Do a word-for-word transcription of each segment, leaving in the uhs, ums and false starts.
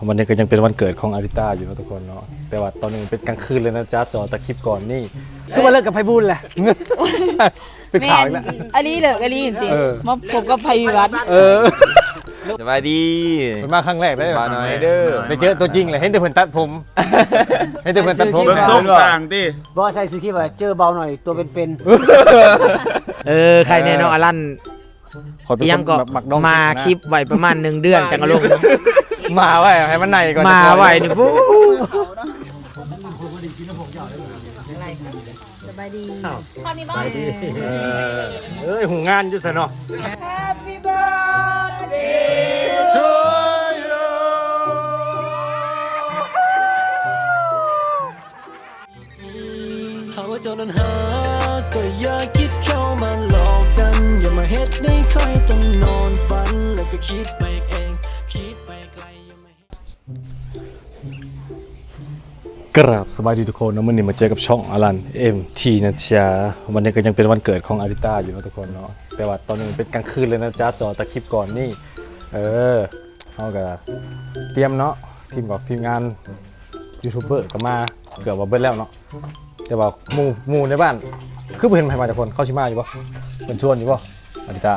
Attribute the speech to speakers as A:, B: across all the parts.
A: วันนี้ก็ยังเป็นวันเกิดของอาริต้าอยู่นะทุกคนเนาะแต่ว่าตอนนี้เป็นกลางคืนเลยนะจ๊ะจอตะคลิปก่อนนี่
B: คือมาเลิกกับไพบูลย์แหละ
A: เป็นข่าวอีกแล้ว
C: อันนี้เลิกอันนี้จริงมาผมกับไพวัฒน์
A: เออ
D: สบายดี
A: เป็นมาครั้งแรกได้
D: มาหน่อยเด้อ
A: ไปเจอตัวจริงเลยเห็นแต่เพิ่นตัดผมเห็นแต่เพิ่นตัดผม
E: เบิ่งส้มต่างดิ
B: บ่ใส่ซื้อคลิปว่าเจอเบาหน่อยตัวเป็น
F: ๆเออใครแน่นอนอลันยังก็มาคลิปไว้ประมาณหนึ่งเดือนจังกะลง
A: มาไว้ให้มันในก่อน
F: มาไว้นี่ปุ๊บ
C: สบายดี
A: สบายดีเอ้ยหูงานอยู่ซะเนาะ
C: Happy birthday
A: to you
G: ถ้าว่าเจ้านั้นหาก็อย่าคิดเข้ามาหลอกกันอย่ามาเฮ็ดให้ค่อยต้องนอนฝันแล้วก็คิดไปเองคิดไปไกลอย่ามา
A: กราบสบายดีทุกคนนะวันนี้มาเจอกับช่องอลัน เอ็ม ที นะจ๊ะวันนี้ก็ยังเป็นวันเกิดของอาริต้าอยู่นะทุกคนเนาะแต่ว่าตอนนี้เป็นกลางคืนเลยนะจ๊ะจอตะคลิปก่อนนี่เออเขาก็เตรียมเนาะทีมกับทีมงานยูทูบเบอร์ก็มาเกือบว่าเบิ้ลแล้วเนาะแต่ว่าหมู่หมู่ในบ้านคือเห็นใครมาจากคนเข้าชิมาอยู่ปะเป็นชวนอยู่ปะอาริต้า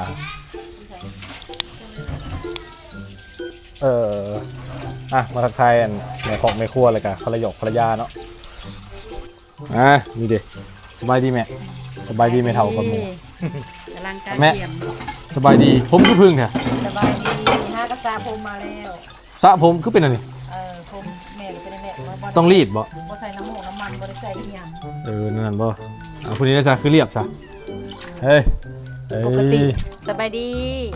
A: เอออ่ะมาทักทายในของในครัวเลยกันภรรยาภรรยาเนาะอ่ะนี่ดิสบายดีแม่สบายดีแม่เท่ากับหมู
C: กำลังการ
A: แม่
C: เตรียม
A: สบายดีผมคือพึ่งเนี่ย
C: สบายดีห้ากระซาผมมาแล้ว
A: สระผมคือเป็นอะไร
C: เออผมแม่เป็นแม่
A: ต้องรีดบ่
C: บ่ใส่น้ำหมูน้ำมันบ่ได้ใส่อีหยัง
A: เออนั่นบ่อ่ะคนนี้นะจ๊ะคือเรียบซะเฮ้ยปกติ
C: สบายดี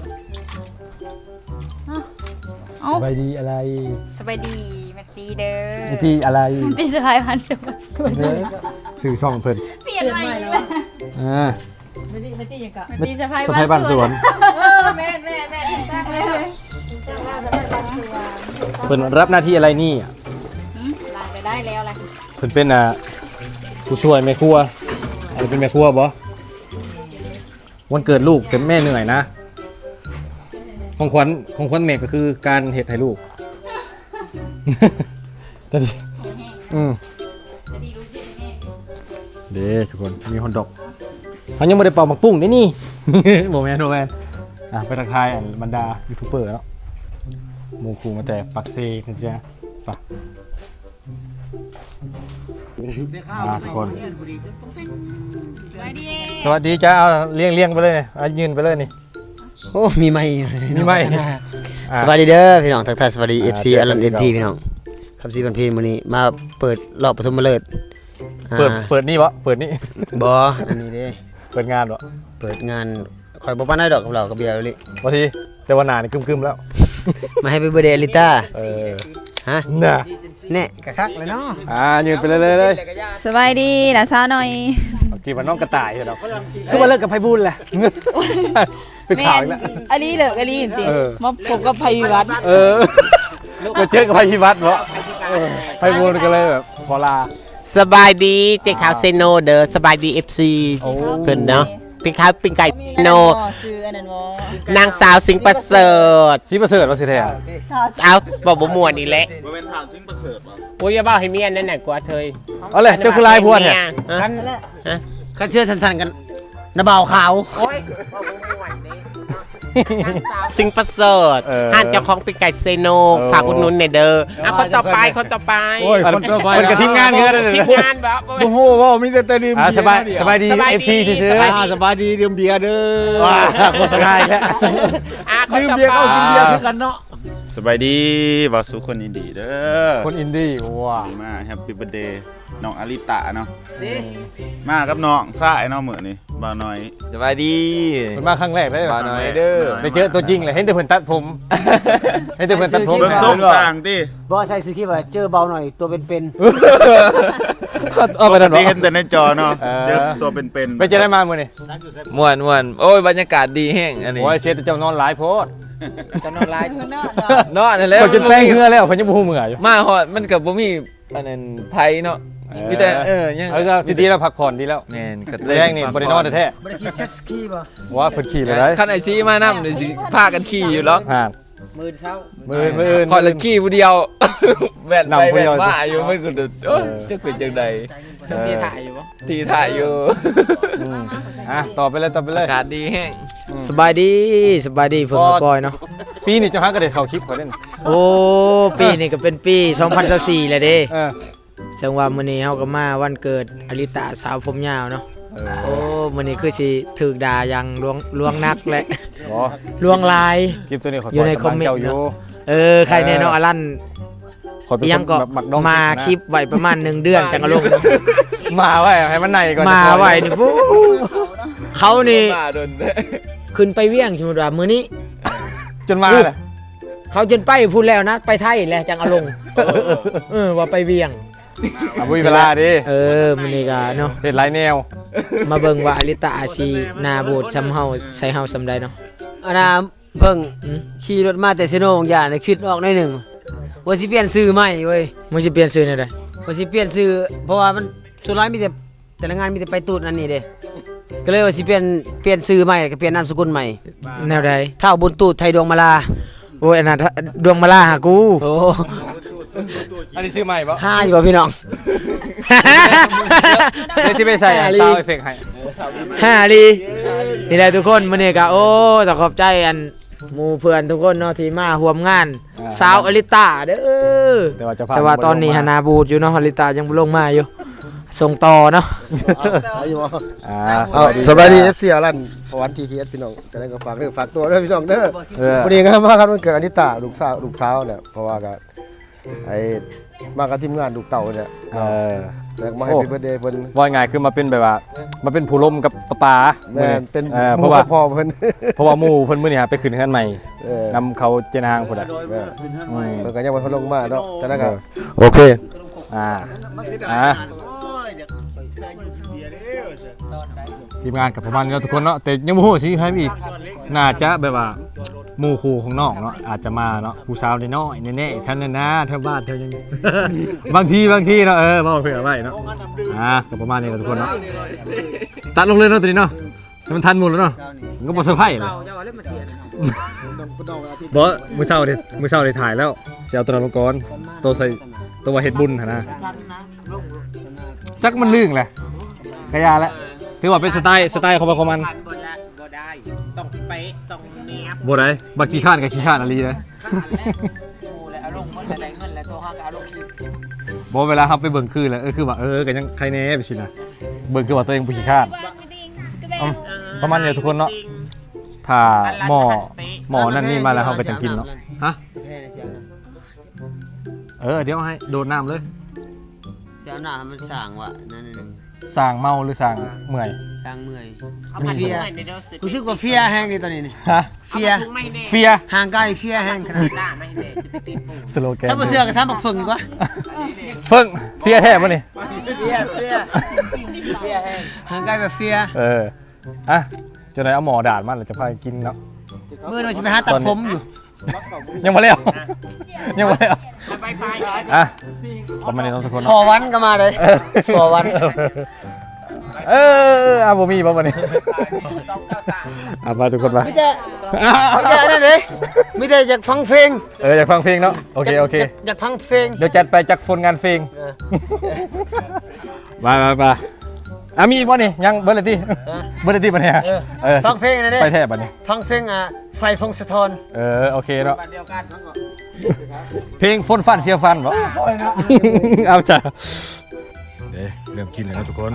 A: สบายดีอะไร
C: สบายดีแม่ตีเด้อ
A: ตีอะไร
C: ตีสบายพันสุด
A: สื่อช่องเพิ่น
C: เปลี่ยนใหม่แล้ว
A: อ่า
C: ไม่ตีไม่ตียังกะ
A: ไม่ตีสะพายสะพายบ้านสวน
C: แม่แม่แม่ตั้งเลยตั้งหน้าสบายบ้านสวน
A: เพิ่นรับหน้าที่อะไรนี่
C: ลาไปได้แล้วแหละ
A: เพิ่นเป็นอ่ะผู้ช่วยแม่ครัวอะไรเป็นแม่ครัวบ่วันเกิดลูกแต่แม่เหนื่อยนะของขวัญของขวัญแม่ก็คือการเฮ็ดให้ลูกจะดีอืมเด้ทุกคนมีฮอนดอกเขายังไม่ได้เป่าหมักปุ้งนี่นี่โมแมนโมแมนอ่ะไปทักทายอันบรรดายูทูบเบอร์แล้วโมคูมาแต่ปักเซนะจ๊ะปะอ่ะทุกคนสวัสดีจ้าเอาเลี้ยงเลี้ยงไปเลยเอายืนไปเลยนี่
B: โอ้มีไม่
A: มีไม่
B: สวัสดีเด้อพี่น้องทักทายสวัสดี เอฟ ซี อลัน เอ็ม ที พี่น้องคำซีบันเพลงมื้อนี้มาเปิดรอบปฐมฤกษ์
A: เปิดเปิดนี่วะเปิดนี่
B: บ่อันนี้เด้
A: เปิดงานวะ
B: เปิดงานคอยบ่ปานได้ดอกกับเรากับเบียร์ลิ
A: บางทีแต่ว่าหนานี่กึมๆแล้ว
B: มาให้เป็นเบอร์เดย์อลิต้า
A: เออ
B: ฮะ
A: น่ะ
B: แน่กะคักเลยเนาะ
A: อ่ายืนไปเลยเลย
C: สบายดีนะซาหน่อย
A: เมื่อกี้มันน้องกระต่ายเหรอ
B: คือมาเลิกกับไพบูลย์แหละ
A: เป็นข่าวอีกแล้ว
C: อันนี้เลิกอันนี้จริงมาผมกับไพวัฒน์
A: เออไปเจอกับไพพิวัตรเหรอไพบูลกันเลยแบบพอลา
F: สบายดีเจ๊ขาวเซโนเด้อสบายดี เอฟ ซี เพิ่นเนาะเป็นข้าวเป็นไก่โนนางสาวสิงห์ประเสริฐ
A: สิประเสริฐว่าสิแท้
F: เอาบอกบ่ม่วนนี่แหละ
E: บ่เป็นถามซิงประเสริฐบ่
F: โอ้ยอย่าบอกให้เมียนั่นน่ะกว่าเธอ
A: เอาเลยเจ้าคือลายพวนเนี่ย
B: คันคันเชื่อสั้นๆกันน้าบ่าวขาว
F: โอ้ยสิงห์ประเสริฐห้านเจ้าของเป็นไก่เซโนฝากอุดหนุนหน่อยเด้ออ่ะคนต่อไปคนต่อไป
A: โอ้ยคนต่อไปคนกับทีมงานเยอะเลย
F: ทีมงานแบบ
B: โอ้โหว่ามีแต่ดื่มเบียร์
A: สบายสบายดี เอฟ ซี ซื่อ
B: ๆสบายดีดื่มเบียร์เด้อ
A: ว้าโคตรสบายแท้
B: ดื่มเบียร์เข้ากินเบียร์คือกันเนาะ
E: สบายดีว่าสุคนอินดีเด้อ
A: คนอินดี้ว้า
E: มาแฮปปี้เบิร์ธเดย์น้องอาริตะเนาะมากับน้องซ่ายเนาะมื้อนี้บ่าวน้อย
D: สบายดี
A: เป็นมาครั้งแรกได้
D: บ่าวน้อยเด้อ
A: ไปเจอตัวจริงเลยเห็นแต่เพิ่นตัดผมเห็นแต่เพิ่นตัดผม
E: เบิ่งส้มต่างดิ
B: บ่ใส่ซื้อคลิปว่าเจอเบาหน่อยตัวเป็น
A: ๆเอาไปนั่นบ่
E: เห็นแต่ในจอเนาะเจอตัวเป็นๆ
A: ไปเจอได้มามื้อนี้
D: ม่วนม่วนโอ้ยบรรยากาศดีแห้งอันนี้
A: โอ้ยเสียแต่เจ้านอนหลายโพด
F: จะนอนไลฟ์
D: นอนนั่นแหละ
A: จนแป้งเหือแล้วเพิ่นยังบ่ฮู้มื้ออยู่
D: มาฮอดมันก็บ่มีอันนั้นไผเนาะมีแต่เออยัง
A: เออก็ดีๆแล้วพักผ่อนดีแล้ว
D: แม่นก็
A: แรงนี่บ่ได้นอนแท้
B: บ่ได้ขี่เจ็ตสกีบ่
A: ว่าเพิ่นขี่เลยได้
D: คันไอซีมานำนี่สิพากันขี่อยู่หรอก
A: ฮะ
B: มือเช้า
A: มือมืออื่น
D: คอยละขี้ผู้เดียวแว่นไป
A: นำผู้
D: แว่
A: เดี
D: น
A: ยว
D: มาอยู่ไม่กูเอ้ยจะเป็นจังใด
A: เออ
D: ทีถ่ายอยู่
A: อืมอ่ะต่อไปเลยต่อไปเลย
D: อากาศดีแห้ง
B: สบายดีสบายดีฝนกอยเนาะ
A: ปีนี้เจะหากระเด็ดเข้าคลิปก่อนเล่น
B: โอ้ปีนี้ก็เป็นปีสองพันยี่สิบสี่แล้วเด้
A: เออ
B: จังว่ามื้อนี้เฮาก็มาวันเกิดอลิตาสาวผมยาวเนาะ
A: เอ
B: โอ้
A: อ
B: มื้อนี้คือสิถูกด่าอย่างลวงลวงนักและ
A: อ๋อ
B: ลวงลาย
A: คลิปตัวนี้ขอ
B: อยู่ใน
A: ปล่กำลัง
B: คอมเมนต์
A: เจ้าอยู่
B: เออใครแน่เนาะอลัน
A: ขอเป็น
B: ยังก็
A: แบบมักดอง
B: มาคลิปไว้ประมาณหนึ่งเดือนจังก็ลง
A: มาไว้ให้มันในก่อน
B: มาไว้นี่ปุ๊เขานี่
D: มาโดน
B: ขึ้นไปเวียงสมมุติว่ามื้อนี้
A: จนมาเลย
B: เขาจนไปพูดแล้วนะไปไทยแล้วจังเอาลงเออว่าไปเวียง
A: อ่ะบุยเวลาดิ
B: เออมื้อนี้ก็เนาะ
A: เห็ดหลายแนว
B: มาเบิ่งว่าอลิตาอาชีหนาโบดซ้ำเฮาใส่เฮาซ้ำใดเนาะอันน่ะเพิ่งขี่รถมาแต่เซโนของยาน่ะคิดออกหน่อยหนึงว่าสิเปลี่ยนชื่อใหม่เว้ยมันสิเปลี่ยนชื่อแนวใดว่าสิเปลี่ยนชื่อเพราะว่ามันสุดท้ายมีแต่แต่ละงานมีแต่ไปตูดอันนี้เด้ก็เลยว่าสิเปลี่ยนเปลี่ยนชื่อใหม่ก็เปลี่ยนนามสกุลใหม่แนวใดเท่าบุญตูดไทยดวงมาลาโอ้ยอันน่ะดวงมาลาหากูโอ้
A: อันนี้ซื้อใหม่ปะ
B: ห้าอยู่บ่พี่น้อง
A: เดี๋ยวชิไปใส่ซาวเอฟเฟกต์ให้
B: ห้าลีนี่แหละทุกคนมื้อนี้ก็โอ้ต้องขอบใจอันหมู่เพื่อนทุกคนเนาะที่มาร่วมงานสาวอลิตาเด้อ
A: แต่ว่าจะพา
B: แต่ว่าตอนนี้หานาบูดอยู่เนาะอลิตายังบ่ลงมาอยู่ส่งต่อเนาะ
A: อ่า
H: เอาสบายดี เอฟ ซี อารันพวันทีทีเอสพี่น้องจะได้ก็ฝากเด้อฝากตัวเด้อพี่น้องเด้อ
A: เออ
H: วันนี้ก็มาครับวันเกิดอนิตาลูกสาวลูกสาวเนี่ยเพราะว่าก็ไอ้มากับทีมงานลูกเต่าเนี่ย
A: เออ
H: แล้วมาให้
A: โอ้
H: เป็นเบอร์เดย์เพิ่น
A: ว่าไงคือมาเป็นแบบว่ามาเป็นผู้ล่มกับปะปา
H: แม่นเป็น
A: เออ
H: ห
A: เพ
H: มู่
A: ราะว่า
H: กับพ่อเพิ่น
A: เพราะว่าหมู่เพิ่นมื้อนี้ฮะไปขึ้นเฮือนใหม่
H: เออน
A: ำเขาเจนางพุ่นน่ะ
H: แม่
A: อืม
H: เพิ่นก็ยังบ่ทันลงมาเนาะจะได้ก็โอเค
A: อ่าอ่าทีมงานกับประมาณนี้แล้วทุกคนเนาะแต่ยังบ่ฮู้สิให้อีกน่าจะแบบว่าหมู่คู่ของน้องเนาะอาจจะมาเนาะผู้สาวน้อยๆแน่ๆท่านน่ะนะแถวบ้านแถวยัง บางทีบางทีเนาะเออบ่เผื่อไว้เนาะอ่าก็ประมาณนี้กับทุกคนเนาะตัดลงเลยเนาะตัวนี้เนาะให้มันทันหมดแล้วเนาะมันก็บ่เซอร์ไพรส์เลยบ่มื้อเช้าเด้มื้อเช้าได้ถ่ายแล้วจะเอาตัวนั้นลงก่อนตัวใส่ตัวว่าเฮ็ดบุญหั่นนะจักมันลื่นแหละกะยาแล้วถือว่าเป็นสไตล์สไตล์ของมันของมัน
F: บ่ได้บ่ได้ต้องเป๊ะต้องเนียบ
A: บ่ได้บักขี้ข้านกับขี้ข้านอะไรเลย
F: กูแล้วเอาลงหมดแล้วได้เงินแล้วตัวเขาก็เอาลงอีก
A: บ่เวลาครับไปเบิ่งคือแล้วเออคือว่าเออก็ยังใครแน่ไปสินะเบิ่งคือว่าตัวเองบ่ขี้ข้านเอ้าประมาณนี้ทุกคนเนาะถ้าหม้อหม้อนั่นนี่มาแล้วเฮาก็จังกินเนาะฮะเออเดี๋ยวให้โดดน้ำเลย
B: เจ้าหน้ามันสร้างว่ะนั่นนึง
A: สร้างเมาหรือสร้างเมื่อย
B: สร้างเมื่อย
F: เอามาเฟียในเด้อสิ
B: รู้สึกว่าเฟียแห้งดีตอนนี้นี่
A: ฮะ
B: เฟีย
F: ไม่แน่
A: เฟีย
B: ห่างไกลเฟียแห้งขนาด
F: ด่าไม่แน่สิไปติดปู
A: สโลแกน
B: ถ้าบ่เชื่อก็ซ้ำบักฝึงกว่า
A: เพิ่งเฟียแท้บ่นี่
B: เฟียเฟียเฟียแห้งห่างไกลแบบเฟีย
A: เอออ่ะจะได้เอาหมอดาดมันแล้วจะพาไปกินเนาะ
B: มื้อนี้สิไปหาตัดผมอยู่
A: ยังบ่แล้วยังบ่แล้ว
F: ไปไป
A: อ่ะประมาณนี้เนาะทุกคน
B: ฟอ
A: เนาะ
B: วันก็มาเลยฟอวัน
A: เอออ่ะบ่มีบ่วันนี้อ่ะมาทุกคนมา
B: มีแต่มีแต่อันนั้นเลยมีแต่อยากฟังเพลง
A: เอออยากฟังเพลงเนาะโอเคโอเค
B: ยากอยากฟังเพลง
A: เดี๋ยวจัดไปจักฝนงานเพลงมามามาอ่ะมีอีกบ่นี่ยังเบิร์ดเลยดิเบิร์ดเลยดิบัดนี้เออ
B: ฟังเพลงอันนั้นเด้
A: ไปแท้บัดนี้
B: ฟังเพลงอ่ะไฟฟงสะทอน
A: เออโอเคเนาะ
F: เดียวกัน
A: เพลงฝนฟันเสียฟันบ่เอาจ้ะเด้เริ่มกินเลยนะทุกคน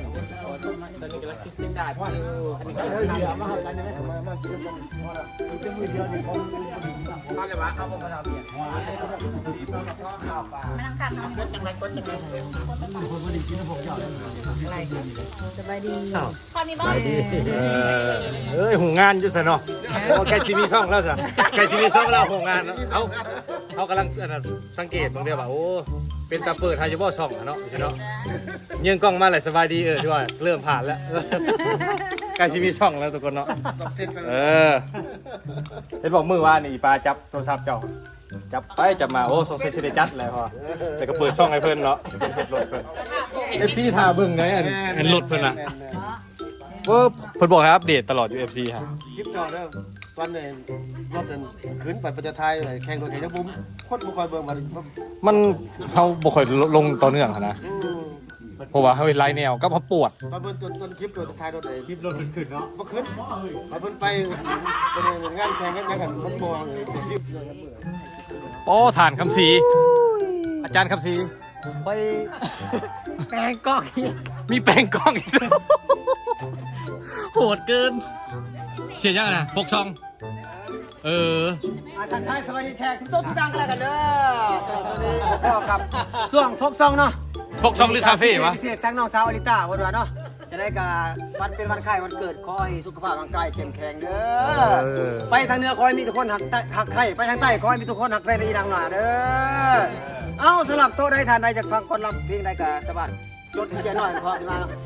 C: ตอนนี้บ้าน
A: เออเอ้ยหูงานอยู่ซะเนาะไก่ชิมีช่องแล้วซะไก่ชิมีช่องแล้วหูงานเนาะเฮาเฮากำลังอันนั้นสังเกตบางเดียวว่าโอ้เป็นตาเปิดไฮยูบอช่องอะเนาะใช่เนาะยิงกล้องมาเลยสบายดีเออที่ว่าเริ่มผ่านแล้วไก่ชิมีช่องแล้วทุกคนเนาะเออเห็นบอกมือว่านี่ปลาจับโทรศัพท์เจ้าจับไปจับมาโอ้สงสัยสิได้จัดแล้วพอแต่ก็เปิดช่องให้เพิ่นเนาะเป็นเฮ็ดรถเพิ่นเอฟซีท่าเบิ่งได้อันอันรถเพิ่นน่ะ ว่าเพิ่นบอกให้อัปเดตตลอดอยู่ เอฟ ซี ฮะ
H: วันนี้รถเดินขึ้นไปประจทายแข่งรถแข่งจะบุ้มคนบุคอยเบิ่งมา
A: มันเขาบ่ค่อยลงต่อเนื่องหั้นนะเพราะว่าเฮ้ยไล่แนวก็เพราะปวด
H: ตอนเบิ่งจนจนคลิปตัวท้ายรถไอ้คลิปรถขึ้นเนาะบ่ขึ้นเอาเพิ่นไปเป็นงานแข่งกันยังกันมันบ่เลยคลิป
A: โอ้ฐานคำศรีอาจารย์คำศรี
B: ไปแปลงกล้องอีก
A: มีแปลงกล้องอีกแล้วโหดเกินเชียร์ยังไงนะฟกซองเออ
B: อาทักทายสวัสดีแขกทุกท่านทุกท่านกันแล้วกันเด้อพ่อกับส่วงฟกซองเนาะ
A: ฟกซองหรือคาเฟ่วะ
B: พิเศษทั้งน้องสาวอลิต้าวันวานเนาะจะได้กับวันเป็นวันไข้วันเกิดขอให้สุขภาพร่างกายเข้มแข็งเด้อไปทางเหนือขอให้มีทุกคนหักใต้หักไข่ไปทางใต้ขอให้มีทุกคนหักแฟนอีนางหนาเด้อเอ้าสลับโต๊ะได้ทานใดจากฟังคนลำเพลงใดกับสบัดจดเขียนหน่อยพอขึ้นมาเนาะ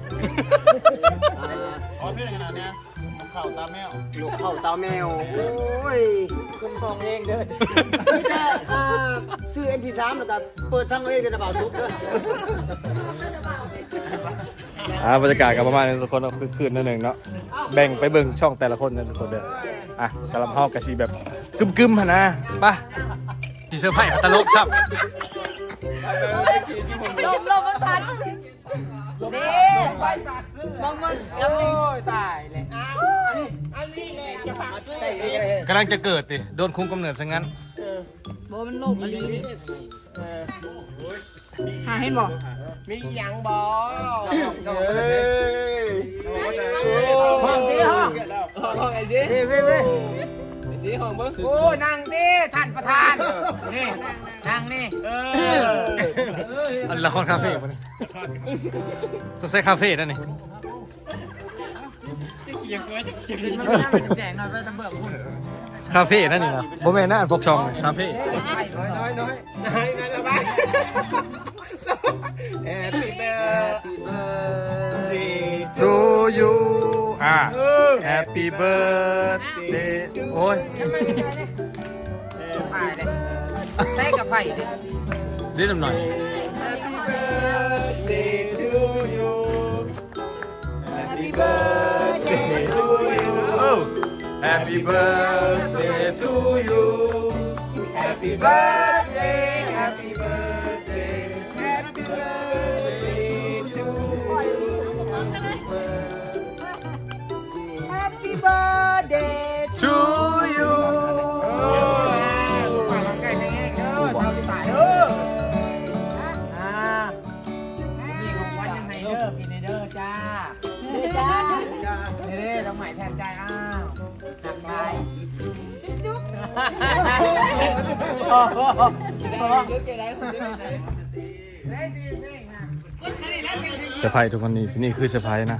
E: อ๋อพี่ขนาดเนี้ยข่าวตาแมว
B: ลูกเข้าเตาแมวโอ้ยคุณฟองเองเด้ออ่าซื้อ เอ็ม พี สาม แล้วก็เปิดฟังเองเด้อนะบ่าวทุกเด้อ
A: อ่าบรรยากาศกับประมาณนี้ทุกคนเอาคือคืนนิดหนึ่งเนาะแบ่งไปเบิ่งช่องแต่ละคนนะทุกคนเด้ออ่ะสำหรับเฮากะสิแบบกึมๆหั่นนะไปสิเซอร์ไพรส์ตลกซับ
C: ลมลมมันพัดเด้มองมัน
B: โอ้ยตายเลย
A: กำลังจะเกิดดิโดนคุมกำเนิดซะงั้น
C: โบมันลมอะไรหาเห็นบ่
F: มีหยังบอ
B: ห้องสิห้องห้องไอ้สิเว้ยเว้ยเว้ย
F: โอ้นั่งดิท่านประธาน นี่นั่งนี่ เออ
A: อันละครคาเฟ่ปะนี่ต้องใช้คาเฟ่นั่นนี่
B: แจกหน่อยไปตำเบิกคุณ
A: คาเฟ่นั่นนี่นะโบแม่นนะอันฟกซองคาเฟ่
B: น้อยน้อย
F: Happy birthday
A: to you อ่า Happy birthday โอ้ย
F: ไผ่เลยใส่กับไผ่ดิ
A: นิดหน่อย
F: Happy birthday to you Happy birthday to you
A: โอ้ Happy birthday to you
F: Happy birthday Happy birthday Happy birthday to you
C: Happy birthday
A: to you
F: จ้า
C: จ้า
F: เด้เราใหม่แทนใจอ้าวหักไป
C: จุ๊บ
A: เซอร์ไพรส์ทุกคนนี่นี่คือเซอร์ไพรส์นะ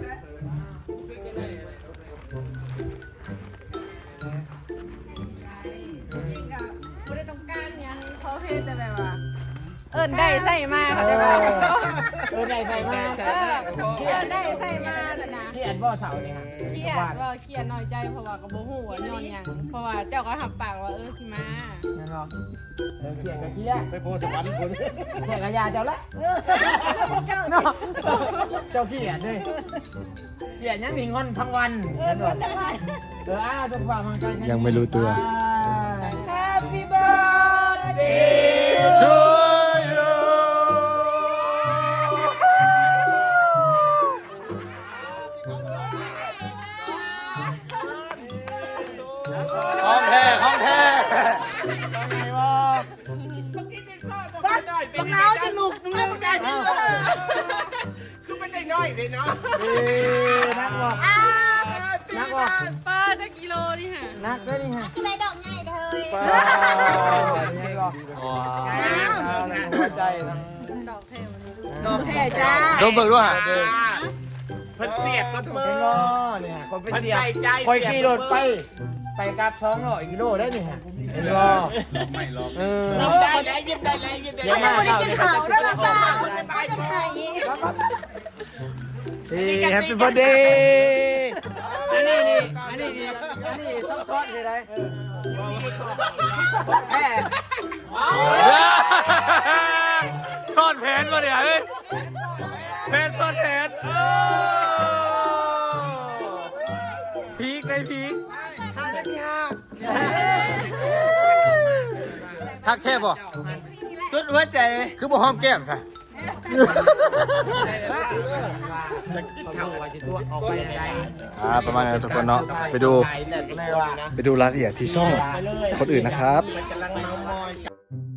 C: ไม่ได้ต้องการยังเขาเพศแต่แบบว่าเอิญได้ใส่มาเขาจะมา
F: เออได้ใส่มา
C: เออเอิญได้ใส่มาแต่นะ
F: ที่อันบ่อเสาเนี่ยค่ะ
C: เครียดว่าเครียดน้อยใจเพราะว่ากับโบหูว่านอนยังเพราะว่าเจ้าก็หับปากว่าเออสิมา
F: นั่นหรอเออเขียนกับเขียน
H: ไปโพสต์วันคน
F: เขียนกับยาเจ้าละ
C: เจ้า
F: เนาะเจ้าเขียนด้วยเขียนยังหนีงอนทั้งวัน
C: เออ
F: นั่นหร
C: ค
F: อน
C: ละวัน
F: เอออ้าวทุกฝ่ายมันกัน
A: ยังไม่รู้ตัว
F: Happy birthday
A: to you ของแท้ของแท้
C: บักน้าวจมูกมึงเลยได้สิ
F: คือเป็นเด็กน้อยเลยเนาะ
B: นักว่ะนักว่ะ
C: ป้าจะกิโลนี่ฮะ
B: นักด้วยนี่ฮะ
C: ได้ดอกใหญ่เลย
B: ป้านี่ก็หัวใจนะ
C: ดอกเทมัน
B: ดอกแค่จ้า
A: โดนเบิกด้วยฮะ
F: เพิ่นเสียบกับมือ
B: นี่ฮะคนไป
F: เพิ่น
B: เสียบ
F: ใส่ใจ
B: คอยขี่รถไป ไปกับสองร้อยกิโลได้นี่ฮะเห็นบ่
E: ไม่หรอก
B: เออ
F: ได้แล้วยิ้มได้แล้วยิ้มได้
B: เดี๋ยว
F: แล้ว
B: มาเข้าเนี่ยเขาจะ
C: แล้วป้าป้าจะไทย
B: นี่แฮปปี้เบิร์ดเดย์อันนี้นี่อันนี้นี่อันนี้ซ้ำซ้อนสิได้แค่
A: ซ่อนแผนมาเนี่ยเฮ้ยแผนซ่อนแผนพีคในพีค
B: ห้านาทีห้า
A: แค่บ่
B: สุดหัวใจ
A: คือบ่หอมแก้มซะ อ่าประมาณนั้นทุกคนเนาะไปดูไปดูรายละเอียดที่ช่องคนอื่นนะครับ